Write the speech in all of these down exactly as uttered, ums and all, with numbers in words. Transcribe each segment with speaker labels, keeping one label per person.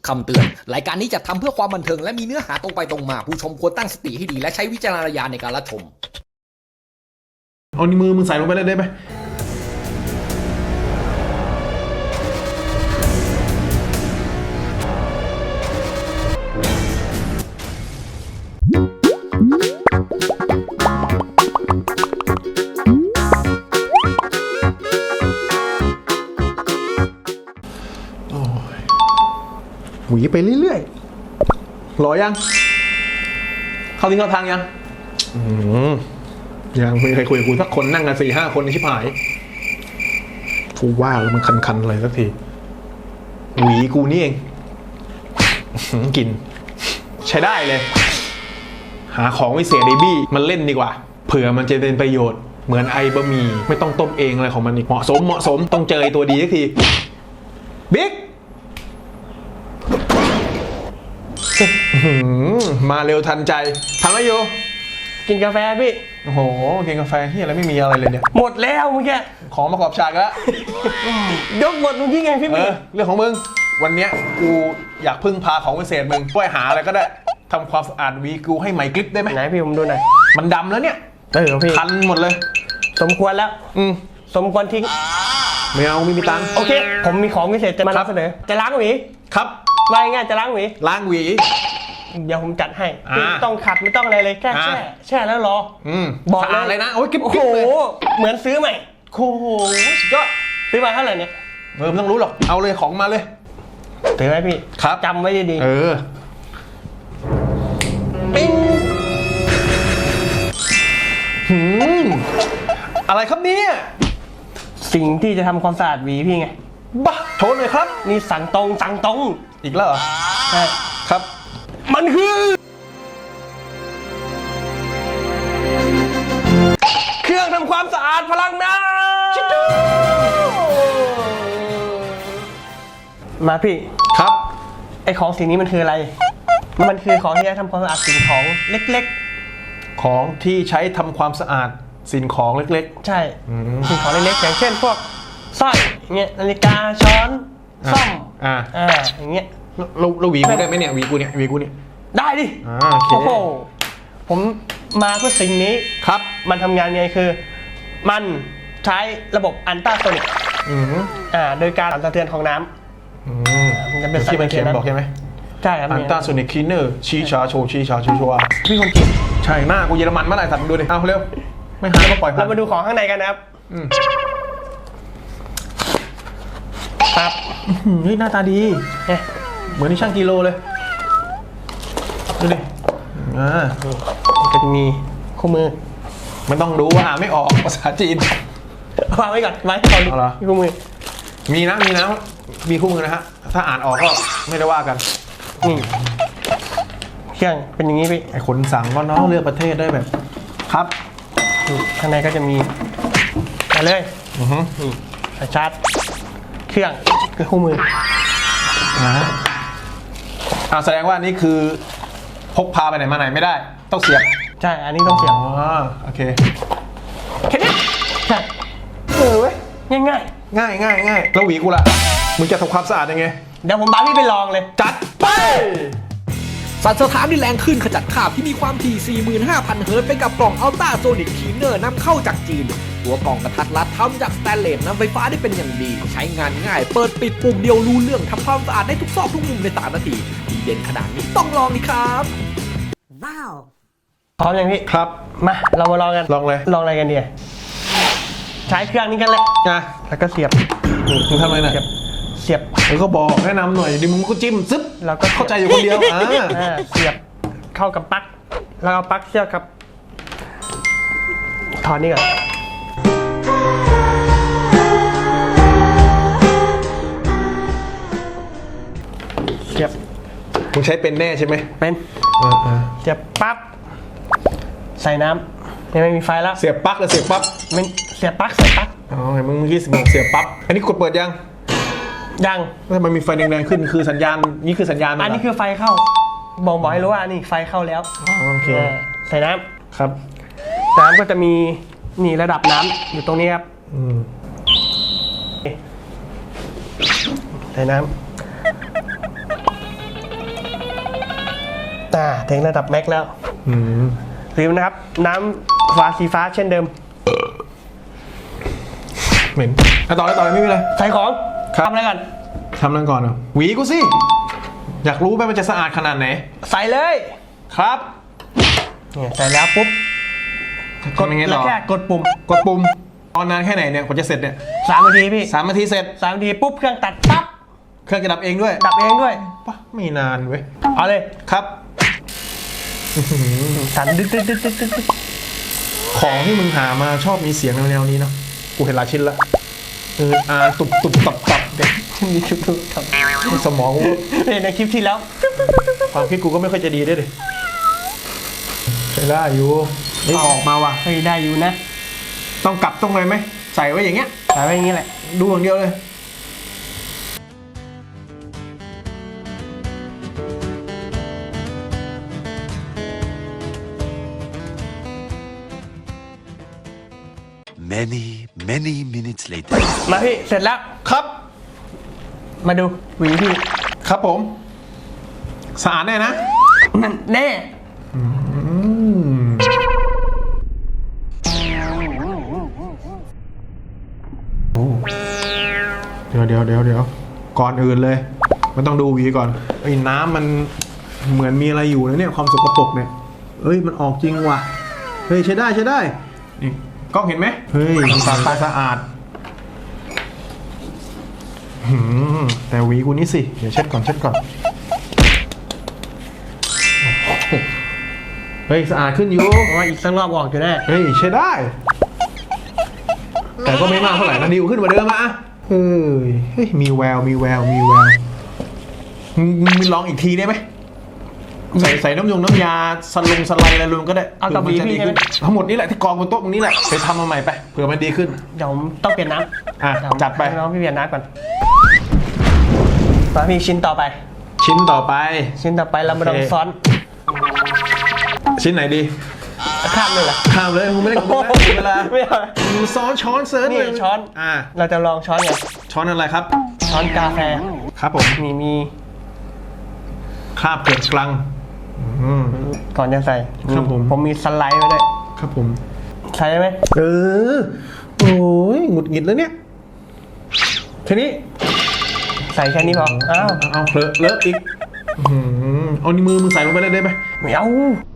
Speaker 1: คำเตือนรายการนี้จะทำเพื่อความบันเทิงและมีเนื้อหาตรงไปตรงมาผู้ชมควรตั้งสติให้ดีและใช้วิจารณญาณในการรับชม
Speaker 2: เอานิ้วมือมึงใส่ลงไปเลยได้ไหมหวีไปเรื่อยๆรอยังเข้าที่เข้าทางยังอืมยังไม่เคยคุยกับกูสักคนนั่งกันสี่ห้าคนในชิบหายกูว่าแล้วมันคันๆเลยสักทีหวีกูนี่เองกินใช้ได้เลยหาของวิเศษเดบี้มันเล่นดีกว่าเผื่อมันจะเป็นประโยชน์เหมือนไอบะหมี่ไม่ต้องต้มเองอะไรของมันอีกเหมาะสมเหมาะสมต้องเจอไอตัวดีสักทีบิ๊กมาเร็วทันใจทำอะไรอยู่
Speaker 3: กินกาแฟพี่
Speaker 2: โอ้โหกินกาแฟที่อะไรไม่มีอะไรเลยเนี่ย
Speaker 3: หมดแล้วเมื่อกี้
Speaker 2: ของประกอบฉากแล้ว
Speaker 3: ยกหมดเมื่อกี้ไงพี่
Speaker 2: เออเรื่องของมึงวันเนี้ยกูอยากพึ่งพาของวิเศษมึงช่วยหาอะไรก็ได้ทำความสะอาดวีกูให้ใหม่กริบได้ไหม
Speaker 3: ไหนพี่ผมดูหน่อย
Speaker 2: มันดำแล้วเนี่ย
Speaker 3: เออพี่
Speaker 2: คันหมดเลย
Speaker 3: สมควรแล้ว
Speaker 2: อืม
Speaker 3: สมควรทิ้ง
Speaker 2: ไม่เอาไม่มีตังค์
Speaker 3: โอเคผมมีของวิเศษจะมานำเสนอจะล้างหวี
Speaker 2: ครับ
Speaker 3: ว่าง่ายจะล้างหวี
Speaker 2: ล้างหวี
Speaker 3: เดี๋ยวผมจัดให้ไม่ต้องขัดไม่ต้องอะไรเลยแค่แช่แช่แล้วรอ
Speaker 2: บอกเลยนะโอ้ยกิ๊บ
Speaker 3: โอ้โหเหมือนซื้อใหม่
Speaker 2: โอ้โหสุดยอด
Speaker 3: ซื้อมาเท่าไหร่เนี่ย
Speaker 2: เออไม่ต้องรู้หรอกเอาเลยของมาเลย
Speaker 3: ถือไว้พี่
Speaker 2: ครับ
Speaker 3: จำไว้ดี
Speaker 2: ๆเออ
Speaker 3: ปิ้ง
Speaker 2: หืมอะไรครับเนี่ย
Speaker 3: สิ่งที่จะทำความสะอาดหวีพี่ไง
Speaker 2: บ้าโชว์หน่อยครับ
Speaker 3: นี่สั่งตรงสั่งตรง
Speaker 2: อีกแล้วเหรอ
Speaker 3: ใช่
Speaker 2: ครับ
Speaker 3: มันคือเครื่องทำความสะอาดพลังน้ำมาพี่
Speaker 2: ครับ
Speaker 3: ไอของสิ่งนี้มันคืออะไรมันคือของที่ใช้ทำความสะอาดสิ่งของเล็ก
Speaker 2: ๆของที่ใช้ทำความสะอาดสิ่งของเล็ก
Speaker 3: ๆใช่สิ่งของเล็กๆอย่างเช่นพวกสร้อยเงี้ยนาฬิกาช้อนซ่อมอ่าอ่าอย่างเงี้ย
Speaker 2: เราเราหวีกูได้ไหมเนี่ยหวีกูเนี่ยหวีกูเนี่ย
Speaker 3: ได้ดิ
Speaker 2: โอเค
Speaker 3: โอ้โหผมมาเพื่อสิ่งนี้
Speaker 2: ครับ
Speaker 3: มันทำงานไงคือมันใช้ระบบอัลตราโซนิกอ่าโดยการสั่นสะเทือนของน้ำ
Speaker 2: มันจะเป็นที่มันเขียนบอกใช่ไหม
Speaker 3: ใช่ครับ
Speaker 2: อัลตราโซนิกคลีนเนอร์ชี้ชาโชชี้ชาชูชัว
Speaker 3: พี่คนจีน
Speaker 2: ใช่หน้ากูเยอรมันเมื่อไหร่สัตว์ดูดิเอาเร็วไม่หายก็ปล่อยผ่าน
Speaker 3: เรามาดูของข้างในกันนะครับครับ
Speaker 2: เฮ้ยหน้าตาดีเหมือนที่ช่างกิโลเลยดูดิอ่า
Speaker 3: ก็จะมีคู่มือ
Speaker 2: ไม่ต้องดูว่าอ่านไม่ออกภาษาจีน
Speaker 3: วางไว้ก่อนไว้ก่อนคู่มือ
Speaker 2: มีนะมีนะมีคู่มือนะฮะถ้าอ่านออกก็ไม่ได้ว่ากัน
Speaker 3: นี่เครื่องเป็นอย่างนี้พี่
Speaker 2: ไอคนสั่งก็น้องเลือกประเทศได้แบบครับ
Speaker 3: ข้างในก็จะมีมาเลยนี่สายชาร์จเครื่องคือคู่มือ
Speaker 2: อ่าอ่าแสดงว่านี่คือพกพาไปไหนมาไหนไม่ได้ต้องเสียบ
Speaker 3: ใช่อันนี้ต้องเสียบ
Speaker 2: อ๋อโอเค
Speaker 3: แค่นี้ใช่เออเว้ยง่ายง่าย
Speaker 2: ง่ายง่ายง่ายแล้วหวีกูล่ะมึงจะทำความสะอาดยังไง
Speaker 3: เดี๋ยวผมบ้าพี่ไปลองเลย
Speaker 2: จัดไป
Speaker 1: สั่นสะท้านด้วยแรงขึ้นขจัดคราบที่มีความถี่ สี่หมื่นห้าพัน เฮิร์ตซ์ไปกับกล่องอัลตราโซนิกคลีนเนอร์นำเข้าจากจีนตัวกล่องกระทัดรัดทำจากสแตนเลสนำไฟฟ้าได้เป็นอย่างดีใช้งานง่ายเปิดปิดปุ่มเดียวรู้เรื่องทำความสะอาดได้ทุกซอกทุกมุมในสามนาทีดีเด่นขนาดนี้ต้องลองดิครับ
Speaker 3: ว้าวพร้อมยังพี่
Speaker 2: ครับ
Speaker 3: มาเรามาลองกัน
Speaker 2: ลองเลย
Speaker 3: ลองอะไรกันดีใช้เครื่องนี้กันแหละ
Speaker 2: นะ
Speaker 3: แล้วก็เสียบ
Speaker 2: มึงทำอะไรเนี่ย
Speaker 3: เสียบ
Speaker 2: แล้วก็บอกแนะนำหน่อยดิมึงก็จิ้มซึบ
Speaker 3: แล้วก็
Speaker 2: เข้าใจอยู่คนเดียวอ่า
Speaker 3: เสียบเข้ากับปลั๊กแล้วเอาปลั๊กเสียบครับถอนนี่ก่อนเสียบ
Speaker 2: มึงใช้เป็นแน่ใช่ไหม
Speaker 3: เป็นเสียบปั๊บใส่น้ำยังไม่มีไฟแล้ว
Speaker 2: เสียบปลั๊กหรือเสียบปั๊บ
Speaker 3: มันเสียบปลั๊กเสียบปลั๊ก
Speaker 2: อ๋อเห็นมึงเมื่อกี้บอกเสียบปั๊บอันนี้กดเปิดยัง
Speaker 3: ยัง
Speaker 2: ทำไมมีไฟแดงๆขึ้นคือสัญญาณนี่คือสัญญาณ
Speaker 3: อันนี้คือไฟเข้าบอกบอกให้รู้ว่านี่ไฟเข้าแล้ว
Speaker 2: โอเค
Speaker 3: ใส่น้ำ
Speaker 2: ครับ
Speaker 3: น้ำก็จะมีนี่ระดับน้ำอยู่ตรงนี้ครับใส่น้ำอ่าถึงระดับแม็กแล้ว
Speaker 2: อืม
Speaker 3: ลืมนะครับ น้ำฟ้าสีฟ้าเช่นเดิม
Speaker 2: เหม็นอ่ะต่อเลยต่อเลยไม่มีอะไร
Speaker 3: ใส่ของ
Speaker 2: ครับ
Speaker 3: ทำอะไรกัน
Speaker 2: ทำนั่นก่อนเหรอหวีกูสิ อยากรู้ไหมมันจะสะอาดขนาดไหน
Speaker 3: ใส่เลย
Speaker 2: ครับ
Speaker 3: เนี่ยใส่แล้วปุ๊บ
Speaker 2: ทำยังไง
Speaker 3: แล้
Speaker 2: ต่
Speaker 3: ว
Speaker 2: อ
Speaker 3: แค่กดปุ่ม
Speaker 2: กดปุ่มตอนนานแค่ไหนเนี่ยกว่าจะเสร็จเนี่ย
Speaker 3: สามนาทีพี่
Speaker 2: สามนาทีเสร็จ
Speaker 3: สามนาทีปุ๊บเครื่องตัดปั๊บ
Speaker 2: เครื่องจะดับเองด้วย
Speaker 3: ดับเองด้วย
Speaker 2: ปะไม่นานเว้ย
Speaker 3: เอาเลย
Speaker 2: ครับ
Speaker 3: สั่นดึกดึกดึกดึกดึกดึก
Speaker 2: ของที่มึงหามาชอบมีเสียงแนวๆนี้เนาะกูเห็นหลายชิ้นละเอออาตุบตุบตับตับเด็ก
Speaker 3: มีคลิปดูทำ
Speaker 2: สมองกู
Speaker 3: เห็นในคลิปที่แล้ว
Speaker 2: ความคิดกูก็ไม่ค่อยจะดีด้วยดิใช้ได้อยู่นี่ออกมาว่ะ
Speaker 3: เฮ้ยได้อยู่นะ
Speaker 2: ต้องกลับต้องเลยไหมใส่ไว้อย่างเงี้ย
Speaker 3: ใส่ไว้อย่างนี้แหละ
Speaker 2: ดูอย่างเดียวเลย
Speaker 4: Many, many minutes later.
Speaker 3: มาพี่เสร็จแล้ว
Speaker 2: ครับ
Speaker 3: มาดูหวีพี่
Speaker 2: ครับผมสะอาดแน่นะ
Speaker 3: นั่นแน่
Speaker 2: อืมเดี๋ยวเดี๋ยวเดี๋ยวเดี๋ยวก่อนอื่นเลยมันต้องดูหวีก่อนไอ้น้ำมันเหมือนมีอะไรอยู่นะเนี่ยความสกปรกเนี่ยเอ้ยมันออกจริงว่ะเฮ้ยใช้ได้ใช้ได้นี่กล้องเห็นไหมเฮ้ยมันสะอาดสะอาดหืมแต่หวีกูนี่สิเดี๋ยวเช็ดก่อนเช็ดก่อนเฮ้ยสะอาดขึ้นอยู่
Speaker 3: ว่าอีกสักรอบออกอยู่แน่
Speaker 2: เฮ้ยใช้ได้ แต่ก็ไม่มากเท่าไหร่นะดีขึ้นกว่าเดิมอะเฮ้ยเฮ้ยมีแววมีแววมีแววมึงมึงลองอีกทีได้ไหมใส่ใส่น้ำยงน้ำยาสลงสไลด์อะไรรวมก็ได้
Speaker 3: เอากับ
Speaker 2: ผื่มันจะ
Speaker 3: หวีพี่
Speaker 2: ดีขึ้น
Speaker 3: ใช่ไหม
Speaker 2: ทั้งหมดนี้แหละที่กองบนโต๊ะตรงนี้แหละไปทำมาใหม่ไปเผื่อมันดีขึ้น
Speaker 3: เดี๋ยวต้องเปลี่ยนน้
Speaker 2: อ่ะ
Speaker 3: ำเยว
Speaker 2: จัดไป
Speaker 3: ให้น้องพี่เปลี่ยนน้ำก่อนมาพี่ชิ้นต่อไป
Speaker 2: ชิ้นต่อไป
Speaker 3: ชิ้นต่อไปเรามาลองซ้อน
Speaker 2: ชิ้นไหนดี
Speaker 3: ข้ามเลยเหรอ
Speaker 2: ข้ามเลยมึงไม่ได้กับมึงนะเวลา
Speaker 3: ไม่เอา
Speaker 2: มึงซ้อนช้อนเซิร์ช
Speaker 3: นี่
Speaker 2: เลย
Speaker 3: ช้อน
Speaker 2: อ่า
Speaker 3: เราจะลองช้อนไง
Speaker 2: ช้อนอะไรครับ
Speaker 3: ช้อนกาแฟ
Speaker 2: ครับผม
Speaker 3: มีมี
Speaker 2: คราบเกล็ดกลังอืม
Speaker 3: ก่อนจะใส่
Speaker 2: ครับผม
Speaker 3: ผมมีสไลด์ไว้ด้วย
Speaker 2: ครับผม
Speaker 3: ใช่ไหม
Speaker 2: เออ โอ้ยหงุดหงิดแล้วเนี่ย ทีนี้
Speaker 3: ใส่แค่นี้พออ้าว
Speaker 2: เอาเลอะเลอะอีกอื้อหือเอานิ้วมือมึงใส่ลงไปเลยได้ไหม
Speaker 3: ไม่เอา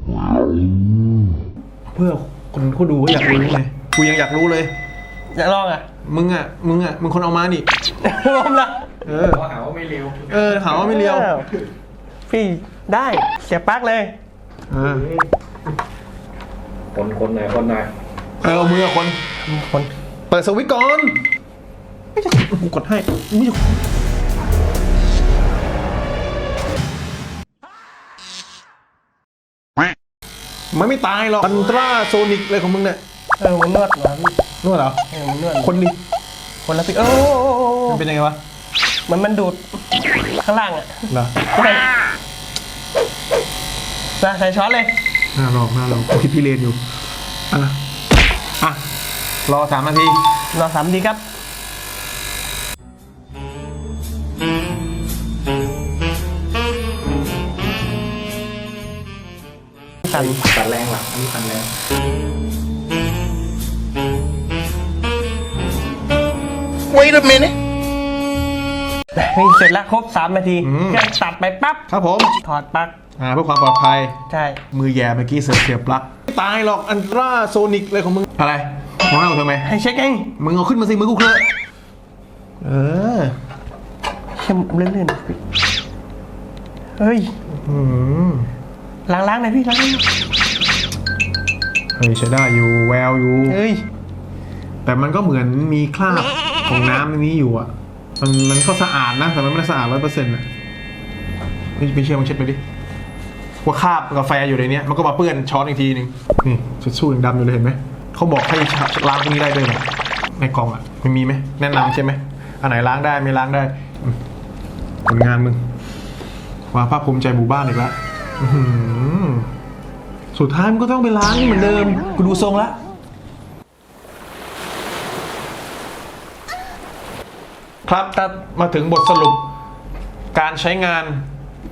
Speaker 2: เพื่อคนเขาดูเขาอยากรู้ไงกูยังอยากรู้เลย
Speaker 3: อยากลองอ่ะ
Speaker 2: มึงอ่ะ มึงอ่ะ มึงคนเอามานี่
Speaker 3: ลองละ
Speaker 2: เออหาว่าไม่เลียว เออหาว่าไม่เลียว
Speaker 3: อ้พี่ได้เสียบปลั๊กเลย
Speaker 2: เออ
Speaker 1: คนคนไหนคนไหน
Speaker 2: เออเอามือคน
Speaker 3: คน
Speaker 2: เปิดสวิตช์ก่อน ไม่ใช่กูกดให้ไม่ใช่มันไม่ตายหรอกอันตราโซนิกอะไรของมึงเนี่ย
Speaker 3: เออมันนวดเหรอพี่
Speaker 2: นวดเหรอ
Speaker 3: เออมันนวด
Speaker 2: คนดิ
Speaker 3: คนละพี่โอ้โอ้โอ้โอ้
Speaker 2: มันเป็นยังไงวะ
Speaker 3: มันมันดูดข้างล่างอ่ะ
Speaker 2: เหรอ
Speaker 3: ไม่มาใส่ช้อนเลย
Speaker 2: น่าลองน่าลองผมคิดพี่เรียนอยู่ อ่ะ อ่ะ รอสามนาที
Speaker 3: รอสามนาทีครับสั่น
Speaker 1: ตัดแรงว่ะอันนี้ตัดแรง
Speaker 4: Wait a minute.
Speaker 3: นี่เสร็จแล้วครบสามนาทีเครื่องตัดไปปั๊บ
Speaker 2: ครับผม
Speaker 3: ถอดปลั๊ก
Speaker 2: อ่าเพื่อความปลอดภัย
Speaker 3: ใช่
Speaker 2: มือแย่เมื่อกี้เสียบเสียบปลั๊กไม่ตายหรอกอันตราโซนิกอะไรของมึง อะไรมองหน้ากูทำไม
Speaker 3: ให้เช็คเอง
Speaker 2: มึงเอาขึ้นมาสิมือกูเคลอะเออ
Speaker 3: เข้มเลื่อนๆเฮ้ย
Speaker 2: อืม
Speaker 3: ล้างๆหน่อยพี่ล้างๆ
Speaker 2: เฮ้ยใช้ได้อยู่แววอยู่
Speaker 3: เฮ้ย
Speaker 2: แต่มันก็เหมือนมีคราบของน้ำในนี้อยู่อ่ะ มันมันก็สะอาดนะ แต่มันไม่ได้สะอาดร้อยเปอร์เซ็นต์อ่ะพี่พี่เชื่อมึงเช็ดไปดิ ว่าคราบกาแฟอยู่ในเนี้ยมันก็มาเปื้อนช้อนอีกทีหนึงนี่ชุดสู้ยังดำอยู่เลยเห็นไหม เขาบอกให้ล้างพวกนี้ได้ด้วยเหรอในกล่องอ่ะมันมีไหมแนะนำใช่ไหมอันไหนล้างได้ไม่ล้างได้อืมผลงานมึงว่าภาคภูมิใจหมู่บ้านอีกแล้วอื้อหือสุดท้ายมันก็ต้องไปล้างเหมือนเดิมกูดูทรงละครับถ้ามาถึงบทสรุปการใช้งาน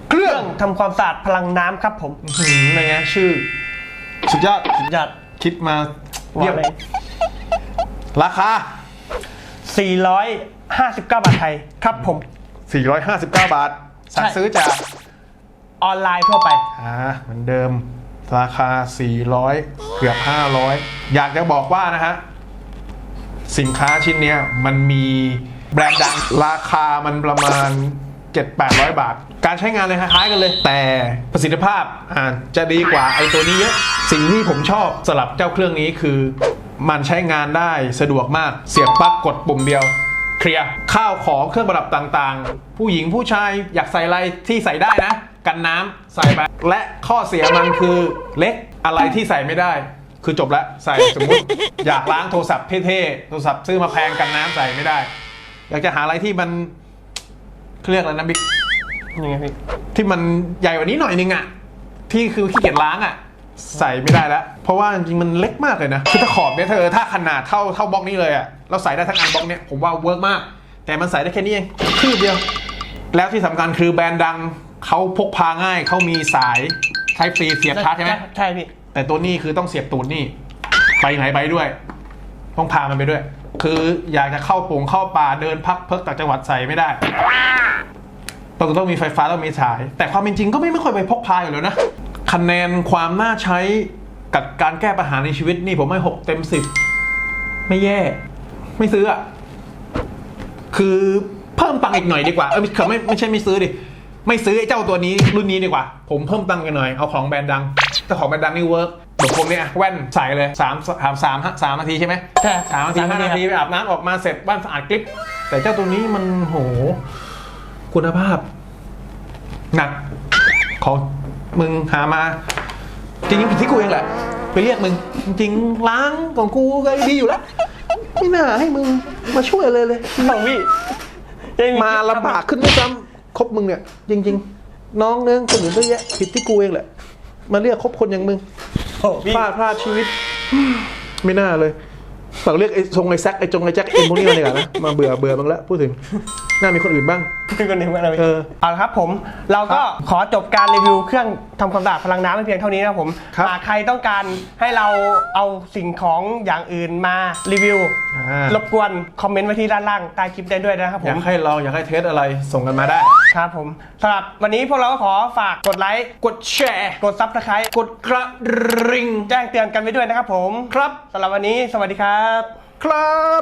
Speaker 2: เครื่อง
Speaker 3: ทำความสะอาดพลังน้ำครับผม
Speaker 2: หืมอะไรเงี้ยชื่อ สุดยอด
Speaker 3: สุดยอด
Speaker 2: คิดมาเยี่ยม
Speaker 3: ว่าเลย
Speaker 2: ราคา
Speaker 3: สี่ร้อยห้าสิบเก้า บาทไทยครับผม
Speaker 2: สี่ร้อยห้าสิบเก้า บาท สั่ง
Speaker 3: ใช่
Speaker 2: ซื้อจาก
Speaker 3: ออนไลน์ทั่วไป
Speaker 2: อ่าเหมือนเดิมราคา สี่ร้อย เกือบ ห้าร้อย อยากจะบอกว่านะฮะ สินค้าชิ้นเนี้ยมันมีแบรนด์ดัง ราคามันประมาณ เจ็ดแปดร้อย บาท การใช้งานเลยคล้ายๆกันเลย แต่ประสิทธิภาพอ่าจะดีกว่าไอ้ตัวนี้เยอะ สิ่งที่ผมชอบสำหรับเจ้าเครื่องนี้คือ มันใช้งานได้สะดวกมาก เสียบปลั๊กกดปุ่มเดียว เคลียร์ข้าวของเครื่องประดับต่างๆ ผู้หญิงผู้ชายอยากใส่อะไรที่ใส่ได้นะ กันน้ำใส่ไปและข้อเสียมันคือเล็กอะไรที่ใส่ไม่ได้ คือจบแล้วใส่สมมติ อยากล้างโทรศัพท์เท่ๆโทรศัพท์ซื้อมาแพงกันน้ำใส่ไม่ได้ อยากจะหาอะไรที่มันเขาเรียกอะไรนะบิ๊ก
Speaker 3: ยังไงพี่
Speaker 2: ที่มันใหญ่กว่านี้หน่อยนึงอะที่คือขี้เกียจล้างอะใส่ไม่ได้แล้ว เพราะว่าจริงๆมันเล็กมากเลยนะคือถ้าขอบเนี่ยเธอถ้าขนาดเท่าเท่าบล็อกนี้เลยอะเราใส่ได้ทั้งอันบล็อกเนี่ยผมว่าเวิร์กมาก แต่มันใส่ได้แค่นี้เองคืบเดียว แล้วที่สำคัญคือแบรนด์ดังเขาพกพาง่ายเขามีสาย Type C เสียบชาร์จใช่ไหม
Speaker 3: ใช่พี่
Speaker 2: แต่ตัวนี้คือต้องเสียบตูดนี่ไปไหนไปด้วย ต้องพามันไปด้วย คืออยากจะเข้าปงเข้าป่าเดินพักเพิกต่างจังหวัดใส่ไม่ได้ต้องต้องมีไฟฟ้าต้องมีสาย แต่ความเป็นจริงก็ไม่ไม่ค่อยไปพกพาอยู่แล้วนะคะแนนความน่าใช้กับการแก้ปัญหาในชีวิตนี่ผมให้หกเต็มสิบไม่แย่ ไม่ซื้ออ่ะคือเพิ่มตังค์อีกหน่อยดีกว่าเออไม่ไม่ไม่ใช่ไม่ซื้อดิไม่ซื้อไอ้เจ้าตัวนี้รุ่นนี้ดีกว่าผมเพิ่มตังค์กันหน่อยเอาของแบรนด์ดังแต่ของแบรนด์ดังนี่เวิร์กเดี๋ยวผมเนี่ยแว่นใส่เลยสามสามสามสามนาทีใช่ไหม
Speaker 3: ใช่
Speaker 2: สามนาทีห้านาทีไปอาบน้ำออกมาเสร็จบ้านสะอาดกริบแต่เจ้าตัวนี้มันโหคุณภาพ หนักของมึงหามาจริงๆผิดที่กูเองแหละไปเรียกมึงจริงๆล้างของกูก็ดีอยู่แล้วไม่น่าให้มึงมาช่วยเลยเลย
Speaker 3: ของพี่
Speaker 2: มาลำบากขึ้นด้วยซ้ำคบมึงเนี่ยจริงๆ น้องเนื้อคนอื่นเยอะแยะผิดที่กูเองแหละมาเรียกคบคนอย่างมึง
Speaker 3: โอ้พี่
Speaker 2: พลาดพลาดชีวิต ไม่น่าเลยฝากเรียกไอ้ทรงไอ้แซกไอ้จงไอ้แจ็คเอ็นพวกนี้มาเลยกันนะมาเบื่อเบื่อบ้างแล้วพูดถึงน่ามีคนอื่นบ้าง
Speaker 3: เป็นคนหนึ่งมาเลย
Speaker 2: เออ
Speaker 3: เอาละครับผมเราก็ขอจบการรีวิวเครื่องทำความสะอาดพลังน้ำเพียงเท่านี้นะครับผม
Speaker 2: ครับ
Speaker 3: หากใครต้องการให้เราเอาสิ่งของอย่างอื่นมารีวิว
Speaker 2: อ่าร
Speaker 3: บกวนคอมเมนต์ไว้ที่ด้านล่างใต้คลิปได้ด้วยนะครับผ
Speaker 2: อยาม กให้ลองอยากให้เทสอะไรส่งกันมาได้
Speaker 3: ครับผมสำหรับวันนี้พวกเราก็ขอฝากกดไลค์
Speaker 2: กดแชร์
Speaker 3: กดซับสไครต์
Speaker 2: กดกระริ่ง
Speaker 3: แจ้งเตือนกันไว้ด้วยนะครับผม
Speaker 2: ครับ
Speaker 3: สำหรับวันนี้สวัสดีครับ
Speaker 2: ครับ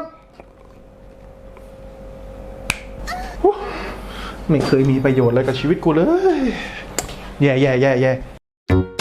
Speaker 2: ไม่เคยมีประโยชน์อะไรกับชีวิตกูเลย แย่แย่แย่แย่